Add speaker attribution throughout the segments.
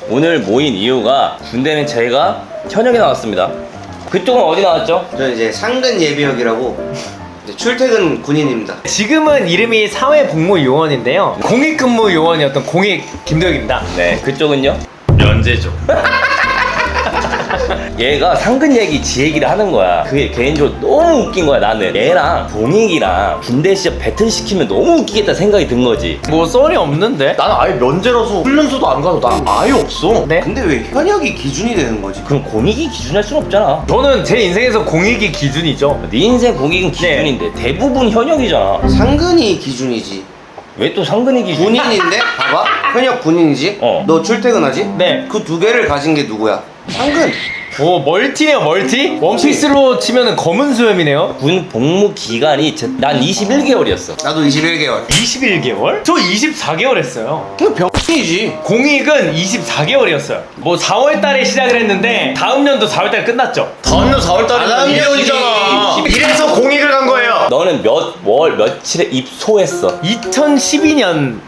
Speaker 1: 오늘 모인 이유가 군대는 저희가 현역이 나왔습니다. 그쪽은 어디 나왔죠?
Speaker 2: 저는 이제 상근 예비역이라고 이제 출퇴근 군인입니다.
Speaker 3: 지금은 이름이 사회복무요원인데요. 공익근무요원이었던 공익 김도혁입니다.
Speaker 1: 네, 그쪽은요?
Speaker 4: 면제죠.
Speaker 1: 얘가 상근 얘기 지 얘기를 하는 거야. 그게 개인적으로 너무 웃긴 거야. 나는 얘랑 동익이랑 군대 시절 배틀 시키면 너무 웃기겠다 생각이 든 거지.
Speaker 3: 뭐 썰이 없는데?
Speaker 4: 나는 아예 면제라서 훈련소도 안 가도 나 아예 없어.
Speaker 3: 네?
Speaker 2: 근데 왜 현역이 기준이 되는 거지?
Speaker 1: 그럼 공익이 기준할 순 없잖아.
Speaker 3: 저는 제 인생에서 공익이 기준이죠.
Speaker 1: 네 인생 공익은 기준인데 대부분 현역이잖아.
Speaker 2: 상근이 기준이지.
Speaker 1: 왜 또 상근이 기준?
Speaker 2: 군인인데 봐봐 현역 군인이지.
Speaker 1: 어.
Speaker 2: 너 출퇴근하지?
Speaker 3: 네.
Speaker 2: 그 두 개를 가진 게 누구야? 상근.
Speaker 3: 오, 멀티네요, 멀티? 원피스로 치면은 검은 수염이네요.
Speaker 1: 군 복무 기간이 난 21개월이었어.
Speaker 2: 나도 21개월.
Speaker 3: 21개월? 저 24개월 했어요.
Speaker 2: 그냥 병이지.
Speaker 3: 공익은 24개월이었어요. 뭐 4월 달에 시작을 했는데 다음 연도 4월 달에 끝났죠.
Speaker 4: 다음 년 4월 달이면
Speaker 2: 다음 년
Speaker 4: 1년이잖아. 이래서 공익을 간 거예요.
Speaker 1: 너는 몇 월 며칠에 입소했어?
Speaker 3: 2012년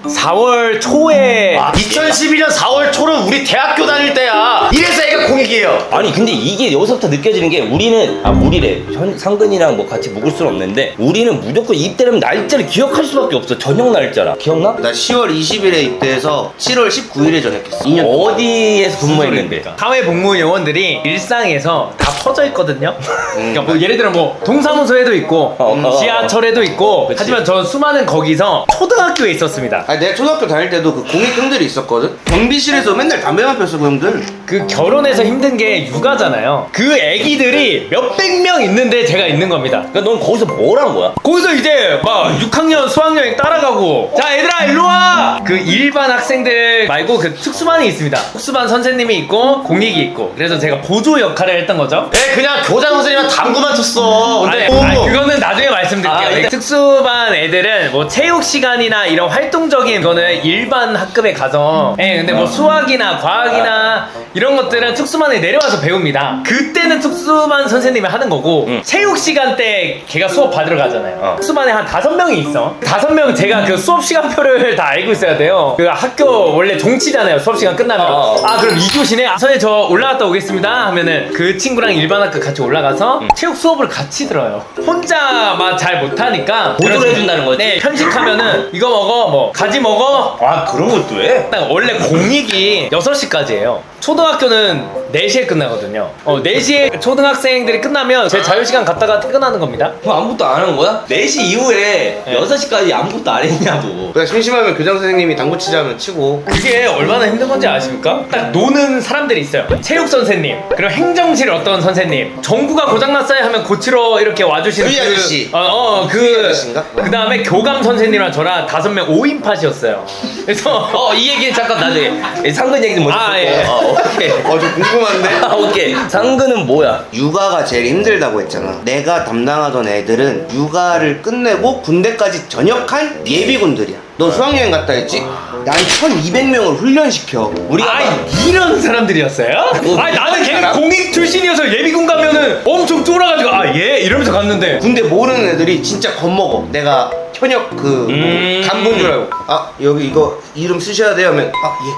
Speaker 3: 4월 초에
Speaker 4: 2012년 4월 초는 우리 대학교 다닐 때야. 이래서 애가 공익이에요.
Speaker 1: 아니 근데 이게 여기서부터 느껴지는 게 우리는 우리래 상근이랑 뭐 같이 묵을 수는 없는데 우리는 무조건 입대하면 날짜를 기억할 수밖에 없어. 저녁 날짜라 기억나?
Speaker 2: 나 10월 20일에 입대해서 7월 19일에 전역했어. 2년 동안.
Speaker 1: 어디에서 근무했는데?
Speaker 3: 사회복무요원들이 일상에서 다 퍼져 있거든요. 그러니까 뭐 예를 들어 뭐 동사무소에도 있고 지하철에도 있고
Speaker 1: 그치.
Speaker 3: 하지만 저 수많은 거기서 초등학교에 있었습니다.
Speaker 2: 아니 내가 초등학교 다닐 때도 그 공익형들이 있었거든. 경비실에서 맨날 담배만 폈어 그 형들.
Speaker 3: 그 결혼해서 힘든 게 육아잖아요. 그 애기들이 몇백 명 있는데 제가 있는 겁니다.
Speaker 1: 그러니까 넌 거기서 뭘 한 거야?
Speaker 3: 거기서 이제 막 6학년 수학여행 따라가고 자 얘들아 일로 와! 그 일반 학생들 말고 그 특수반이 있습니다. 특수반 선생님이 있고 공익이 있고 그래서 제가 보조 역할을 했던 거죠.
Speaker 4: 애 그냥 교장 선생님한테 당구만 쳤어. 근데
Speaker 3: 아니, 그거는 나중에 말씀드릴게요.
Speaker 1: 일단-
Speaker 3: 특수반 애들은 뭐 체육 시간이나 이런 활동적인 거는 일반 학급에 가서 근데 뭐 수학이나 과학이나 이런 것들은 특수반에 내려와서 배웁니다. 그때는 특수반 선생님이 하는 거고 체육 시간 때 걔가 수업 받으러 가잖아요. 특수반에 한 5명이 있어. 5명 제가 그 수업 시간표를 다 알고 있어야 돼요. 그 학교 원래 종치잖아요. 수업 시간 끝나면 그럼 2교시네. 선생님 저 올라갔다 오겠습니다 하면은 그 친구랑 일반 학급 같이 올라가서 체육 수업을 같이 들어요. 혼자만 잘 못하니까
Speaker 1: 보조를 해준다는 거지?
Speaker 3: 네, 편식하면은 이거 먹어 뭐 가지 먹어.
Speaker 1: 아 그런 것도 해?
Speaker 3: 딱 원래 공익이 6시까지예요. 초등학교는 4시에 끝나거든요. 4시에 초등학생들이 끝나면 제 자유시간 갔다가 퇴근하는 겁니다.
Speaker 1: 그럼 아무것도 안 하는 거야? 4시 이후에 6시까지 아무것도 안 했냐고.
Speaker 2: 그냥 심심하면 교장 선생님이 당구 치자면 치고.
Speaker 3: 그게 얼마나 힘든 건지 아십니까? 딱 노는 사람들이 있어요. 체육 선생님, 그리고 행정실 어떤 선생님, 전구가 고장났어요 하면 고치러 이렇게 와주시는
Speaker 2: 수희 아저씨.
Speaker 3: 그
Speaker 2: 아저씨인가?
Speaker 3: 다음에 교감 선생님이랑 저랑 5명 5인팟이었어요. 그래서
Speaker 1: 이 얘기는 잠깐 나중에 상근 얘기 좀 먼저
Speaker 3: 예.
Speaker 1: 오케이.
Speaker 2: 좀 궁금한데?
Speaker 1: 오케이. 상근은 뭐야?
Speaker 2: 육아가 제일 힘들다고 했잖아. 내가 담당하던 애들은 육아를 끝내고 군대까지 전역한 예비군들이야. 너 수학여행 갔다 했지? 난 1200명을 훈련시켜. 우리가
Speaker 3: 이런 사람들이었어요? 나는 걔는 공익 출신이어서 예비군 가면은 엄청 쫄아가지고 이러면서 갔는데
Speaker 2: 군대 모르는 애들이 진짜 겁먹어. 내가 현역 간부인 줄 알고 여기 이거 이름 쓰셔야 돼요 하면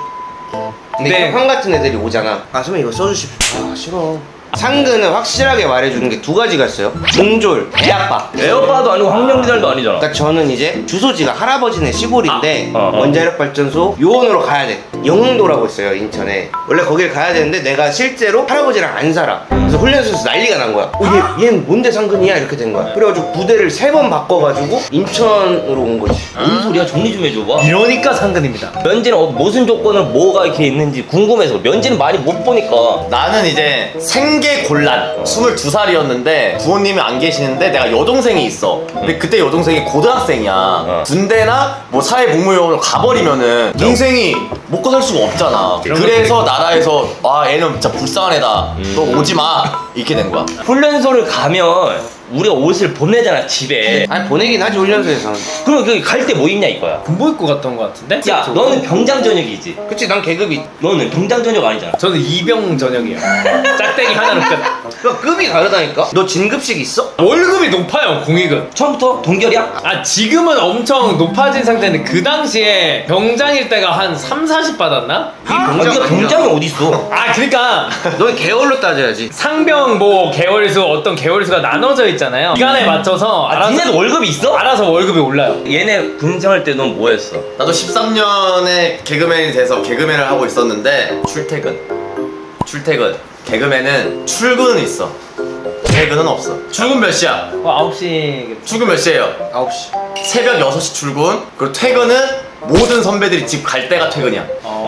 Speaker 2: 예. 근데
Speaker 3: 네.
Speaker 2: 형 같은 애들이 오잖아. 선생님 이거 써주십시오. 싫어. 상근은 확실하게 말해주는 게 2가지가 있어요. 중졸, 애아빠.
Speaker 1: 에어바도 아니고 학령기달도 아니잖아.
Speaker 2: 그러니까 저는 이제 주소지가 할아버지네 시골인데
Speaker 1: 어.
Speaker 2: 원자력발전소 요원으로 가야 돼. 영흥도라고 있어요 인천에. 원래 거길 가야 되는데 내가 실제로 할아버지랑 안 살아. 그래서 훈련소에서 난리가 난 거야. 얘는 뭔데 상근이야 이렇게 된 거야. 그래가지고 부대를 3번 바꿔가지고 인천으로 온 거지.
Speaker 1: 뭔 소리야? 정리 좀 해줘봐.
Speaker 3: 이러니까 상근입니다.
Speaker 1: 면제는 무슨 조건을 뭐가 이렇게 있는지 궁금해서. 면제는 많이 못 보니까.
Speaker 4: 나는 이제 생계곤란 22살이었는데 부모님이 안 계시는데 내가 여동생이 있어. 근데 그때 여동생이 고등학생이야. 군대나 뭐 사회복무요원으로 가버리면은 동생이 먹고 살 수가 없잖아. 그래서 나라에서 애는 진짜 불쌍한 애다. 너 오지 마. 이렇게 된 거야.
Speaker 1: 훈련소를 가면 우리가 옷을 보내잖아 집에.
Speaker 2: 아니 보내긴 하지 훈련소에서.
Speaker 1: 그럼 그 갈 때 뭐 입냐 이거야.
Speaker 3: 군복 입고 갔던 것 같은데?
Speaker 1: 야 너는 병장 전역이지.
Speaker 2: 그치 난 계급이.
Speaker 1: 너는 병장 전역 아니잖아.
Speaker 3: 저는 이병 전역이에요. 짝대기 하나로 끝.
Speaker 2: 그 급이 다르다니까. 너 진급식 있어?
Speaker 3: 월급이 높아요, 공익은.
Speaker 1: 처음부터 동결이야?
Speaker 3: 아, 지금은 엄청 높아진 상태인데 그 당시에 병장일 때가 한 3, 40 받았나?
Speaker 2: 이 병장
Speaker 1: 네가 병장이 어딨어?
Speaker 3: 아, 그러니까
Speaker 2: 넌 개월로 따져야지.
Speaker 3: 상병 뭐 개월수 어떤 개월수가 나눠져 있잖아요. 기간에 맞춰서
Speaker 1: 아 니네도 월급이 있어?
Speaker 3: 알아서 월급이 올라요.
Speaker 1: 얘네 군생활 때 넌 뭐 했어?
Speaker 4: 나도 13년에 개그맨이 돼서 개그맨을 하고 있었는데 출퇴근 개그맨은 출근은 있어 퇴근은 없어. 출근 몇 시야?
Speaker 3: 9시.
Speaker 4: 출근 몇 시에요?
Speaker 2: 9시.
Speaker 4: 새벽 6시 출근. 그리고 퇴근은 모든 선배들이 집 갈 때가 퇴근이야.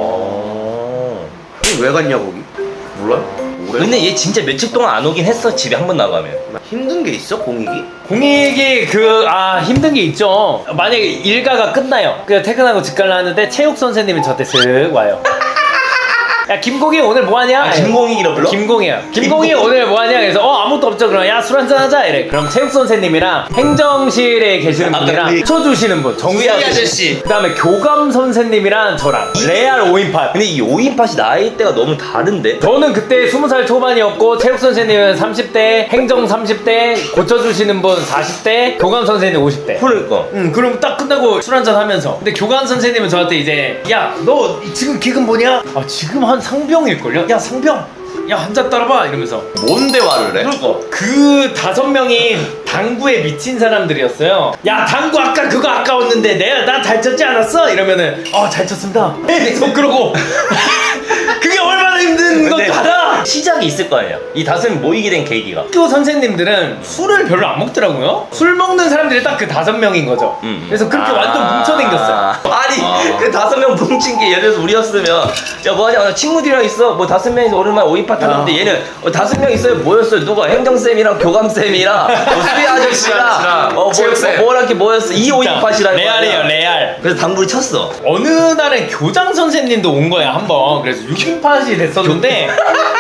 Speaker 2: 왜 갔냐 거기?
Speaker 4: 몰라요? 오래?
Speaker 1: 근데 얘 진짜 며칠 동안 안 오긴 했어 집에 한 번 나가면.
Speaker 2: 힘든 게 있어 공익이?
Speaker 3: 공익이 힘든 게 있죠. 만약에 일가가 끝나요. 그래서 퇴근하고 집 갈라 하는데 체육 선생님이 저때 쓱 와요. 야 김공희 오늘 뭐하냐?
Speaker 1: 아, 김공익이라 불러?
Speaker 3: 김공희야. 김공희 오늘 뭐하냐? 그래서 아무것도 없죠. 그럼 야 술 한잔 하자 이래. 그럼 체육 선생님이랑 행정실에 계시는 분이랑 쳐주시는 분 정비
Speaker 2: 아저씨.
Speaker 3: 그 다음에 교감 선생님이랑 저랑 레알 5인팟.
Speaker 1: 근데 이 5인팟이 나이대가 너무 다른데?
Speaker 3: 저는 그때 20살 초반이었고 체육 선생님은 30대, 행정 30대, 고쳐주시는 분 40대, 교감 선생님 50대.
Speaker 1: 그러니까
Speaker 3: 그럼 딱 끝나고 술 한잔 하면서. 근데 교감 선생님은 저한테 이제 야 너 지금 기금 뭐냐? 아 지금 한 상병일걸요? 야 상병 야 한 잔 따라봐 이러면서.
Speaker 4: 뭔 대화를 해?
Speaker 3: 그 5명이 당구에 미친 사람들이었어요. 야 당구 아까 그거 아까웠는데 내가 나 잘 쳤지 않았어? 이러면은 잘 쳤습니다. 계속 그러고 그게 얼마나 힘든
Speaker 1: 근데
Speaker 3: 것도 알아.
Speaker 1: 시작이 있을 거 아니야. 이 5명이 모이게 된 계기가.
Speaker 3: 학교 선생님들은 술을 별로 안 먹더라고요. 술 먹는 사람들이 딱 그 5명인 거죠. 그래서 그렇게 완전 뭉쳐댕겼어요.
Speaker 1: 아니 그 5명 뭉친 게 예를 들어서 우리였으면 야 뭐하냐 나 친구들이랑 있어 뭐 5명이서 오랜만에 5인팟 하는데 얘는 5명 있어요. 뭐였어요? 누가 행정쌤이랑 교감쌤이랑 뭐 수리 아저씨랑
Speaker 4: 체육쌤.
Speaker 1: 뭐랑 뭐였어? 이 5인팟이라는
Speaker 3: 레알이에요 레알.
Speaker 1: 그래서 당구를 쳤어.
Speaker 3: 어느 날엔 교장 선생님도 온 거야 한번. 그래서 6인팟이 됐었는데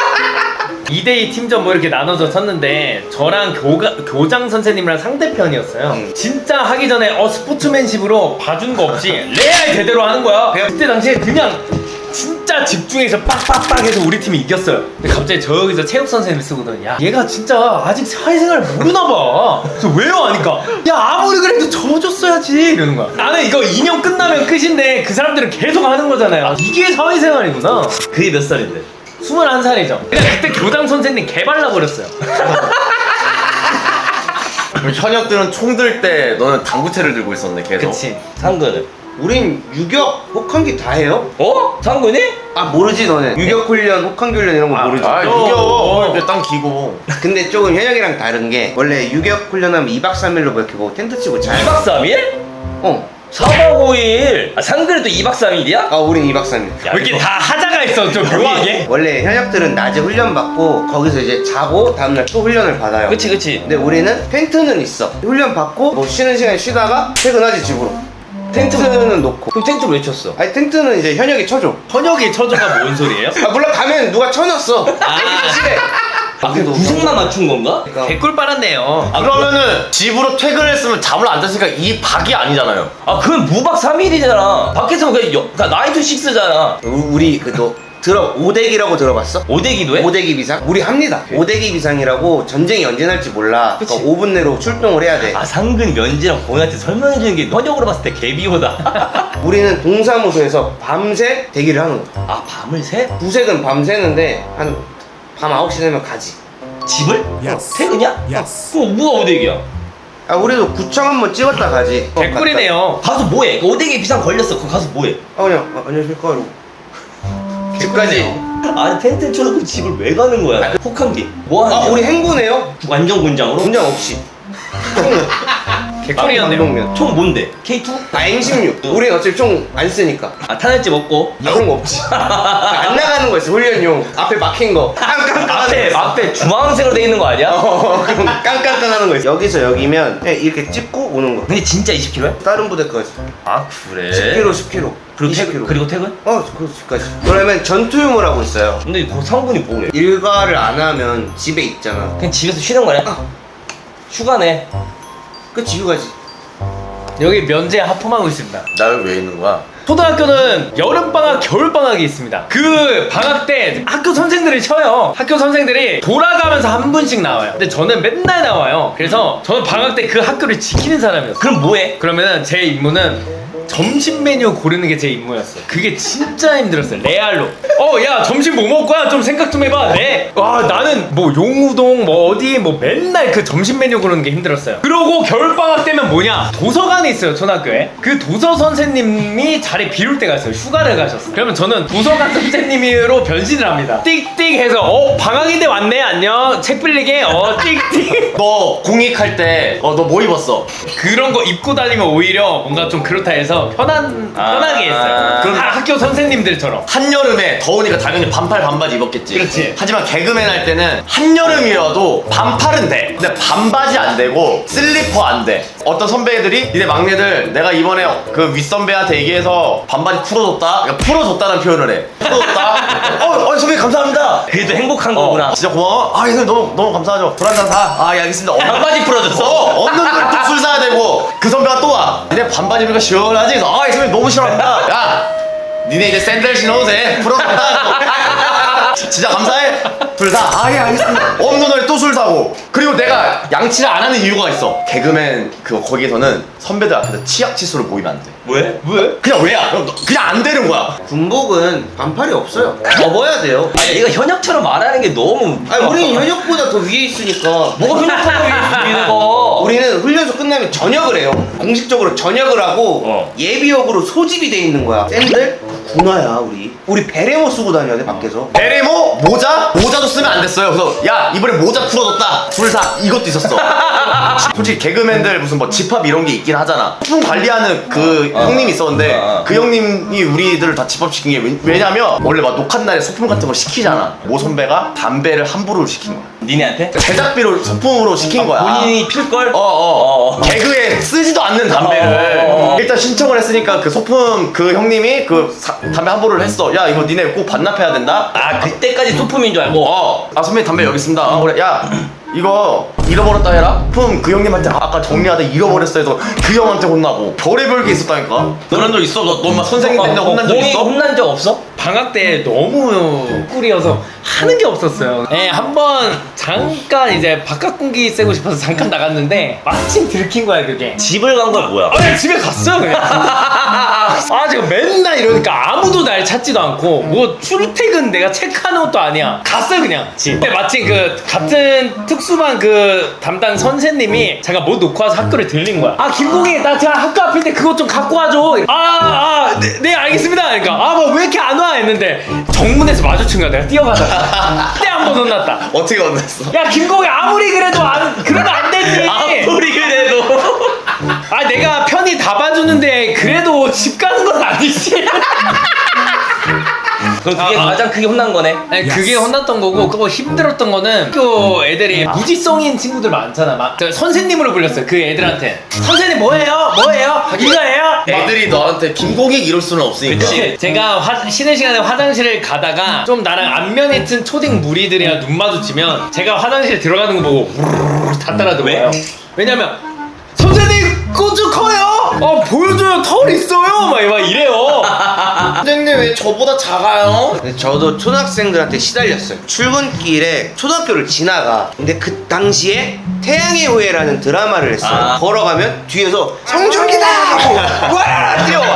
Speaker 3: 2대2 팀전 뭐 이렇게 나눠서 쳤는데 저랑 교장 선생님이랑 상대편이었어요. 진짜 하기 전에 스포츠맨십으로 봐준 거 없이 레알 제대로 하는 거야. 그때 당시에 그냥 진짜 집중해서 빡빡빡 해서 우리 팀이 이겼어요. 근데 갑자기 저기서 체육 선생님이 쓰거든. 야 얘가 진짜 아직 사회생활 모르나 봐. 그래서 왜요? 하니까 야 아무리 그래도 져줬어야지 이러는 거야. 나는 이거 2년 끝나면 끝인데 그 사람들은 계속 하는 거잖아요. 이게 사회생활이구나.
Speaker 1: 그게 몇 살인데?
Speaker 3: 21살이죠. 그냥 그때 교장 선생님 개발라 버렸어요.
Speaker 4: 그럼 현역들은 총 들 때 너는 당구채를 들고 있었네 계속.
Speaker 3: 그치.
Speaker 1: 상근은?
Speaker 2: 우린 유격, 혹한기 다 해요?
Speaker 1: 어? 상근이?
Speaker 2: 아 모르지 너네. 유격 훈련, 혹한기 훈련 이런 거 모르지.
Speaker 4: 아 이겨. 이렇게 땅 기고.
Speaker 2: 근데 조금 현역이랑 다른 게 원래 유격 훈련하면 2박 3일로 뭐 이렇게 뭐 텐트 치고 잘.
Speaker 1: 2박 3일?
Speaker 2: 어.
Speaker 1: 4박 5일. 상근이 또 2박 3일이야?
Speaker 2: 아 우린 2박 3일.
Speaker 3: 왜 이렇게 다 하자가 있어 좀 묘하게.
Speaker 2: 원래 현역들은 낮에 훈련 받고 거기서 이제 자고 다음날 또 훈련을 받아요.
Speaker 1: 그치.
Speaker 2: 근데 우리는 텐트는 있어. 훈련 받고 뭐 쉬는 시간에 쉬다가 퇴근하지 집으로. 텐트는 놓고.
Speaker 1: 그럼 텐트를 왜 쳤어?
Speaker 2: 아니 텐트는 이제 현역이 쳐줘.
Speaker 3: 현역이 처져가 뭔 소리예요?
Speaker 2: 아 물론 가면 누가 쳐놨어. 실에.
Speaker 1: 아 그 구성만 맞춘 건가?
Speaker 3: 개꿀 빨았네요.
Speaker 4: 그러면은 집으로 퇴근했으면 잠을 안 잤으니까 이 박이 아니잖아요.
Speaker 1: 아 그건 무박 3일이잖아. 밖에서 그냥 나이트 식스잖아.
Speaker 2: 우리 그너 오대기라고 들어봤어?
Speaker 1: 오대기도 해?
Speaker 2: 오대기 비상? 우리 합니다. 오대기 비상이라고 전쟁이 언제 날지 몰라.
Speaker 1: 그치.
Speaker 2: 그러니까 5분 내로 출동을 해야 돼.
Speaker 1: 아 상근 면지랑 공한테 설명해주는 게 현역으로 봤을 때 개비호다.
Speaker 2: 우리는 동사무소에서 밤새 대기를 하는 거야.
Speaker 1: 아 밤을 새?
Speaker 2: 부색은 밤새는데 한 밤 9시 되면 가지.
Speaker 1: 집을?
Speaker 5: Yes.
Speaker 1: 퇴근이야?
Speaker 5: Yes.
Speaker 1: 그럼 뭐가 오대기야?
Speaker 2: 아 우리도 구청 한번 찍었다 가지.
Speaker 3: 개꿀이네요.
Speaker 1: 가서 뭐해? 그 오대기 비상 걸렸어. 그거 가서 뭐해?
Speaker 2: 아 그냥 안녕하십니까 이러고 집까지.
Speaker 1: 아니 텐트 쳐놓고 집을 왜 가는 거야? 혹한기 뭐 하는
Speaker 2: 아
Speaker 1: 거야?
Speaker 2: 우리 행군해요?
Speaker 1: 완전 군장으로?
Speaker 2: 군장 없이.
Speaker 3: 개꿀이었네요.
Speaker 2: 방독면.
Speaker 1: 총 뭔데? K2?
Speaker 2: 아 M16. 우린 어차피 총 안 쓰니까.
Speaker 1: 아 탄할집 없고
Speaker 2: 아 그런 거 없지. 안 나가는 거 있어 훈련용. 앞에 막힌 거.
Speaker 1: 앞에 주황색으로 돼 있는 거 아니야?
Speaker 2: 그럼 깡깡깡하는 거 있어. 여기서 여기면 그냥 이렇게 찍고 오는 거.
Speaker 1: 근데 진짜 20km야?
Speaker 2: 다른 부대까지.
Speaker 1: 아 그래?
Speaker 2: 10km, 10km.
Speaker 1: 그리고
Speaker 2: 20km.
Speaker 1: 퇴근? 그리고 퇴근?
Speaker 2: 그 집까지. 그러면 전투용을 하고 있어요.
Speaker 1: 근데 그 상근이 뭐래?
Speaker 2: 일과를 안 하면 집에 있잖아.
Speaker 1: 그냥 집에서 쉬는 거냐? 휴가네.
Speaker 2: 그치 휴가지.
Speaker 3: 여기 면제 하품하고 있습니다.
Speaker 4: 나 여기 왜 있는 거야?
Speaker 3: 초등학교는 여름방학, 겨울방학이 있습니다. 그 방학 때 학교 선생들이 쉬어요. 학교 선생들이 돌아가면서 한 분씩 나와요. 근데 저는 맨날 나와요. 그래서 저는 방학 때 그 학교를 지키는 사람이었어요.
Speaker 1: 그럼 뭐해?
Speaker 3: 그러면은 제 임무는 점심 메뉴 고르는 게 제 임무였어요. 그게 진짜 힘들었어요. 레알로. 야 점심 뭐 먹을 거야? 좀 생각 좀 해봐. 네. 와 나는 뭐 용우동 뭐 어디 뭐 맨날 그 점심 메뉴 고르는 게 힘들었어요. 그러고 겨울방학 때면 뭐냐? 도서관이 있어요 초등학교에. 그 도서 선생님이 자리 비울 때가 있어요. 휴가를 가셨어요. 그러면 저는 도서관 선생님으로 변신을 합니다. 띡띡 해서 방학인데 왔네 안녕 책 빌리게 띡띡.
Speaker 4: 너 공익할 때 너 뭐 입었어?
Speaker 3: 그런 거 입고 다니면 오히려 뭔가 좀 그렇다 해서 편하게 했어요.
Speaker 4: 그럼
Speaker 3: 학교 선생님들처럼.
Speaker 4: 한여름에 더우니까 당연히 반팔 반바지 입었겠지.
Speaker 3: 그렇지.
Speaker 4: 하지만 개그맨 할 때는 한여름이라도 반팔은 돼. 근데 반바지 안 되고 슬리퍼 안 돼. 어떤 선배들이 니네 막내들 내가 이번에 그 윗선배한테 얘기해서 반바지 풀어줬다. 그러니까 풀어줬다는 표현을 해. 풀어줬다. 선배 감사합니다.
Speaker 1: 그래도 행복한 거구나.
Speaker 4: 진짜 고마워. 형님 너무 감사하죠. 술 한잔 사. 알겠습니다.
Speaker 1: 반바지 풀어줬어?
Speaker 4: 없는 걸 또 술 사야 되고 그 선배가 또 와. 니네 반바지 입으니까 시원하지? 그래서 이 선배 너무 싫어한다. 야 니네 이제 샌들 신어도 돼. 풀어줬다. 진짜 감사해. 술 사. 알겠습니다. 없는 날에 또 술 사고. 그리고 내가 양치를 안 하는 이유가 있어. 개그맨 거기에서는 선배들 앞에서 치약 치수를 보이면 안 돼.
Speaker 1: 왜?
Speaker 4: 그냥 왜야? 그냥 안 되는 거야.
Speaker 2: 군복은 반팔이 없어요. 접어야 돼요.
Speaker 1: 아니 얘가 현역처럼 말하는 게 너무.
Speaker 2: 아니 우리는 현역보다 더 위에 있으니까.
Speaker 1: 뭐가 현역처럼 위에 거?
Speaker 2: 우리는 훈련소 끝나면 전역을 해요. 공식적으로 전역을 하고 예비역으로 소집이 돼 있는 거야. 샌들 군화야 우리 베레모 쓰고 다녀야 돼 밖에서.
Speaker 4: 베레모 모자도 쓰면 안 됐어요. 그래서 야 이번에 모자 풀어줬다. 둘 사 이것도 있었어. 솔직히 개그맨들 무슨 뭐 집합 이런 게 있긴 하잖아. 소품 관리하는 그 형님이 있었는데 그 형님이 우리들을 다 집합시킨 게 왜냐면 원래 막 녹화 날에 소품 같은 걸 시키잖아. 모 선배가 담배를 함부로 시킨 거야.
Speaker 1: 니네한테?
Speaker 4: 제작비로 소품으로 시킨 거야.
Speaker 1: 본인이 필걸?
Speaker 4: 개그에 쓰지도 않는 담배를 일단 신청을 했으니까 그 소품 그 형님이 담배 함부로를 했어. 야 이거 니네 꼭 반납해야 된다.
Speaker 1: 그때까지 소품인 줄 알고.
Speaker 4: 선배님 담배 여기 있습니다. 그래 야 이거 잃어버렸다 해라. 품 그 형님한테 아까 정리하다 잃어버렸어 해서 그 형한테 혼나고 별의별 게 있었다니까. 그런 적 있어? 너 막 선생님 때문에 혼난 적
Speaker 1: 공익
Speaker 4: 있어?
Speaker 1: 혼난 적 없어?
Speaker 3: 방학 때 너무 꿀이어서 하는 게 없었어요. 한번 잠깐 이제 바깥 공기 쐬고 싶어서 잠깐 나갔는데 마침 들킨 거야 그게.
Speaker 1: 집을 간 건 뭐야?
Speaker 3: 그냥 집에 갔어요 그냥. 제가 맨날 이러니까 아무도 날 찾지도 않고 뭐 출퇴근 내가 체크하는 것도 아니야. 갔어요 그냥 집. 근데 마침 그 같은 특수반 그 담당 선생님이 제가 뭐 놓고 와서 학교를 들린 거야. 김공희 나 제가 학교 앞인데 그것 좀 갖고 와줘. 네 알겠습니다. 그러니까 뭐 왜 이렇게 안 와 했는데 정문에서 마주친 거야. 내가 뛰어가다가 그때 한 번 혼났다.
Speaker 4: 어떻게 혼났어?
Speaker 3: 야 김공희 아무리 그래도 그러면 안 되지.
Speaker 1: 아무리 그래도.
Speaker 3: 내가 편히 다 봐주는데 그래도 집 가는 건 아니지.
Speaker 1: 그럼 그게 가장 크게 혼난 거네.
Speaker 3: 아니, 그게 혼났던 거고 그거 힘들었던 거는 학교 애들이 무지성인 친구들 많잖아. 막 선생님으로 불렸어요 그 애들한테. 선생님 뭐예요? 이거예요?
Speaker 4: 애들이 너한테 김공익 이럴 수는 없으니까.
Speaker 3: 그치. 제가 쉬는 시간에 화장실을 가다가 좀 나랑 안면이 튼 초딩 무리들이랑 눈 마주치면 제가 화장실에 들어가는 거 보고 우르르 다 따라 들어와요. 왜냐면 선생님 꼬주 커요. 보여줘요 털 있어요. 막 이래요.
Speaker 4: 선생님 왜 저보다 작아요?
Speaker 2: 근데 저도 초등학생들한테 시달렸어요. 출근길에 초등학교를 지나가. 근데 그 당시에 태양의 후예라는 드라마를 했어요. 걸어가면 뒤에서 성준기다 하고 와라 뛰어와.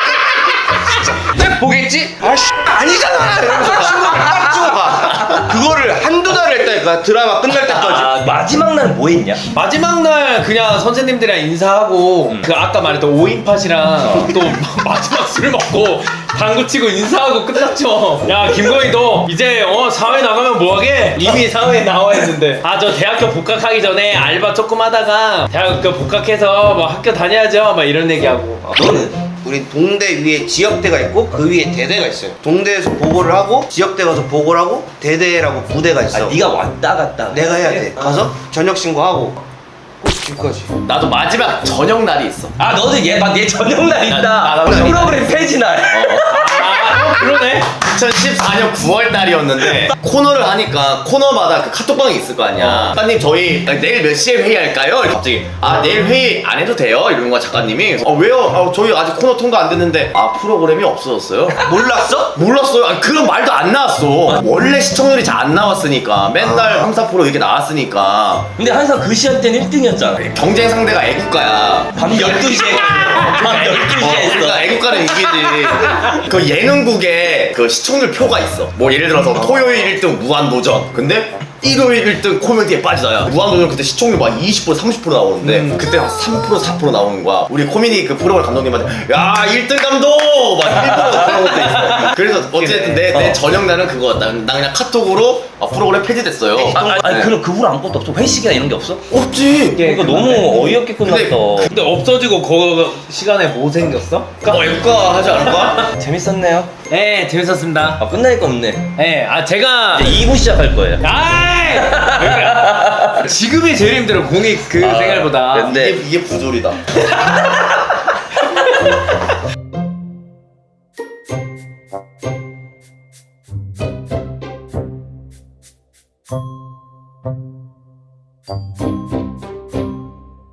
Speaker 2: 딱 보겠지? 아니잖아 이러면서 친구를 딱 찍어가. 그거를 한두 달을 했다니까 드라마 끝날 때까지.
Speaker 1: 마지막 날 뭐 했냐?
Speaker 3: 마지막 날 그냥 선생님들이랑 인사하고 그 아까 말했던 5인팟이랑 또 마지막 술 먹고 당구 치고 인사하고 끝났죠. 야 김건희 너 이제 사회 나가면 뭐하게? 이미 사회에 나와 있는데 저 대학교 복학하기 전에 알바 조금 하다가 대학교 복학해서 뭐 학교 다녀야죠 막 이런 얘기하고.
Speaker 2: 너는? 우리 동대 위에 지역대가 있고 그 위에 대대가 있어요. 동대에서 보고를 하고 지역대 가서 보고를 하고 대대라고 부대가 있어.
Speaker 1: 네가 왔다 갔다.
Speaker 2: 내가 해야 돼. 가서 전역 신고하고 꼭 집까지.
Speaker 4: 나도 마지막 저녁 날이 있어.
Speaker 1: 너도 얘 저녁 날 있다.
Speaker 4: 나
Speaker 1: 프로그램 폐지 날.
Speaker 3: 그러네.
Speaker 4: 2014년 9월 달이었는데 코너를 하니까 코너마다 그 카톡방이 있을 거 아니야. 작가님 저희 내일 몇 시에 회의할까요? 갑자기 내일 회의 안 해도 돼요? 이러는 거야 작가님이. 왜요? 저희 아직 코너 통과 안 됐는데 프로그램이 없어졌어요?
Speaker 2: 몰랐어?
Speaker 4: 몰랐어요. 아니, 그런 말도 안 나왔어. 원래 시청률이 잘 안 나왔으니까 맨날 3, 4% 이렇게 나왔으니까
Speaker 1: 근데 항상 그 시간대는 1등이었잖아.
Speaker 4: 경쟁 상대가 애국가야.
Speaker 1: 밤 12시에. 밤 12시에 했어.
Speaker 4: 그러니까 애국가는 이기지. 그 예능국에 그 시청률 표가 있어. 뭐 예를 들어서 토요일 1등 무한도전. 근데 일요일 1등 코미디에 빠지다야. 무한도전 그때 시청률 막 20% 30% 나오는데 그때 한 3% 4% 나오는 거야. 우리 코미디 그 프로그램 감독님한테 야 1등 감독! 막 1% 그런 것도 있어. 그래서 어쨌든 내 저녁 날은 그거였다. 나 그냥 카톡으로 프로그램 폐지됐어요.
Speaker 1: 아니
Speaker 4: 네.
Speaker 1: 그 후로 아무것도 없어. 회식이나 이런 게 없어?
Speaker 4: 없지.
Speaker 1: 이거 너무 어이없게 끝났다.
Speaker 3: 근데 없어지고 그 시간에 뭐 생겼어?
Speaker 4: 애국가 하지 않을까?
Speaker 1: 재밌었네요.
Speaker 3: 네, 재밌었습니다.
Speaker 1: 끝나니까 없네.
Speaker 3: 네, 제가
Speaker 1: 이제 2부 시작할 거예요.
Speaker 3: 아이! 지금이 제일 힘들어 공익 그 생활보다.
Speaker 1: 근데
Speaker 4: 이게 부조리다.